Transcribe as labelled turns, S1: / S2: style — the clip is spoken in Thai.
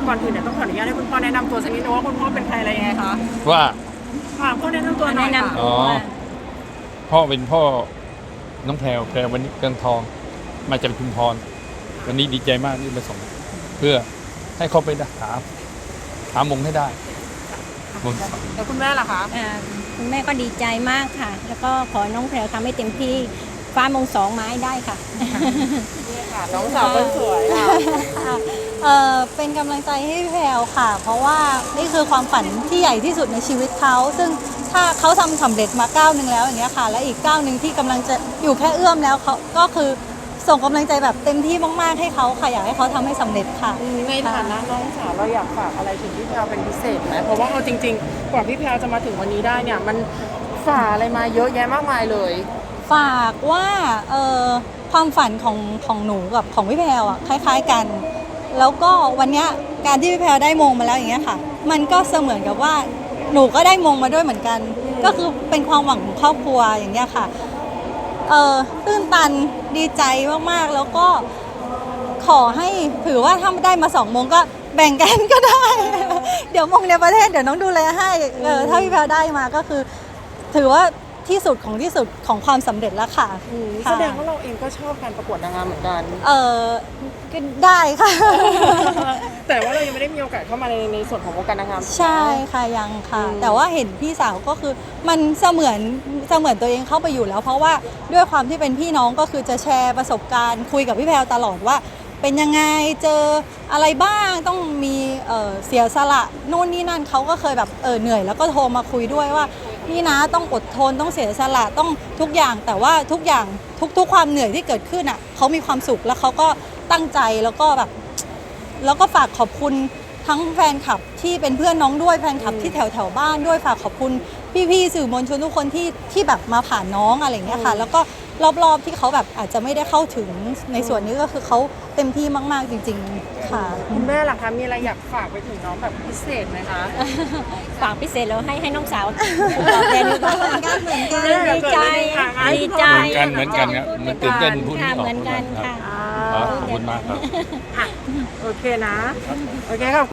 S1: ก่อนอื่นเนี่ยต้องขออนุญาตให้คุณพ่อแนะนำตัวสักนิดนึงว่าคุณพ่อเป็นใครอะไรยังไงคะ
S2: ว่า
S1: พ่อแนะนำตัวหน่อยค่ะ
S2: อ๋อพ่อเป็นพ่อน้องแพรววันนี้เกินทองมาจากชุมพรวันนี้ดีใจมากที่มาส่งเพื่อให้เขาไปหามงให้ได้มง
S1: แล้วคุณแม่ล่ะคะ
S3: คุณแม่ก็ดีใจมากค่ะแล้วก็ขอน้องแพรวทำให้เต็มที่ฟ้ามง2ไม้ได้ค่ะ
S1: นี่ค่ะน้องสาวคนสวยค่ะ
S4: เป็นกำลังใจให้แพรวค่ะเพราะว่านี่คือความฝันที่ใหญ่ที่สุดในชีวิตเขาซึ่งถ้าเขาทำสำเร็จมาก้าวหนึ่งแล้วอย่างเงี้ยค่ะและอีกก้าวหนึ่งที่กำลังจะอยู่แค่เอื้อมแล้วเขาก็คือส่งกำลังใจแบบเต็มที่มากๆให้เขาค่ะอยากให้เขาทำให้สำเร็จค่ะ
S1: ในฐานะน้องสาวเราอยากฝากอะไรถึงพี่แพรวเป็นพิเศษไหมเพราะว่าเอาจริงๆกว่าพี่แพรวจะมาถึงวันนี้ได้เนี่ยมันฝ่าอะไรมาเยอะแยะมากมายเลย
S4: ฝากว่าความฝันของหนูกับของพี่แพรวอ่ะคล้ายๆกันแล้วก็วันนี้การที่พี่แพรวได้มงมาแล้วอย่างเงี้ยค่ะมันก็เสมือนกับว่าหนูก็ได้มงมาด้วยเหมือนกันก็คือเป็นความหวังของครอบครัวอย่างเงี้ยค่ะตื้นตันดีใจมากๆแล้วก็ขอให้ถือว่าถ้าได้มา2มงก็แบ่งกันก็ได้ เดี๋ยวมงในประเทศเดี๋ยวน้องดูแลให้ถ้าพี่แพรวได้มาก็คือถือว่าที่สุดของความสำเร็จแล้วค่ะ
S1: แสดงว่าเราเองก็ชอบการประกวดนางงามเหมือนกัน
S4: ก็ได้ค่ะ
S1: แต่ว่าเรายังไม่ได้มีโอกาสเข้ามาในส่วนของวงการนางงาม
S4: ใช่ค่ะยังค่ะแต่ว่าเห็นพี่สาวก็คือมันเสมือนตัวเองเข้าไปอยู่แล้วเพราะว่าด้วยความที่เป็นพี่น้องก็คือจะแชร์ประสบการณ์คุยกับพี่แพรวตลอดว่าเป็นยังไงเจออะไรบ้างต้องมีเสียสละนู่นนี่นั่นเขาก็เคยแบบเหนื่อยแล้วก็โทรมาคุยด้วยว่านี่นะต้องอดทนต้องเสียสละต้องทุกอย่างแต่ว่าทุกอย่างทุกความเหนื่อยที่เกิดขึ้นอ่ะเขามีความสุขแล้วเขาก็ตั้งใจแล้วก็แบบแล้วก็ฝากขอบคุณทั้งแฟนคลับที่เป็นเพื่อนน้องด้วยแฟนคลับที่แถวบ้านด้วยฝากขอบคุณพี่ๆสื่อมวลชนทุกคนที่แบบมาผ่านน้องอะไรอย่างเงี้ยค่ะแล้วก็รอบๆที่เขาแบบอาจจะไม่ได้เข้าถึงในส่วนนี้ก็คือเขาเต็มที่มากๆจริงๆค่ะ
S1: คุณแม่ล่ะคะมีอะไรอยากฝากไปถึงน้องแบบพิเศษไหมคะ
S3: ฝากพิเศษแล้วให้น้องสาวตอบแทนเหมือนกันดีใจ
S2: เหมือนกันครับมันตื่นเต้นพูดไม่ออก
S3: เหมือนกันค่ะ
S2: ขอบคุณมากครับ
S1: โอเคนะโอเคครับ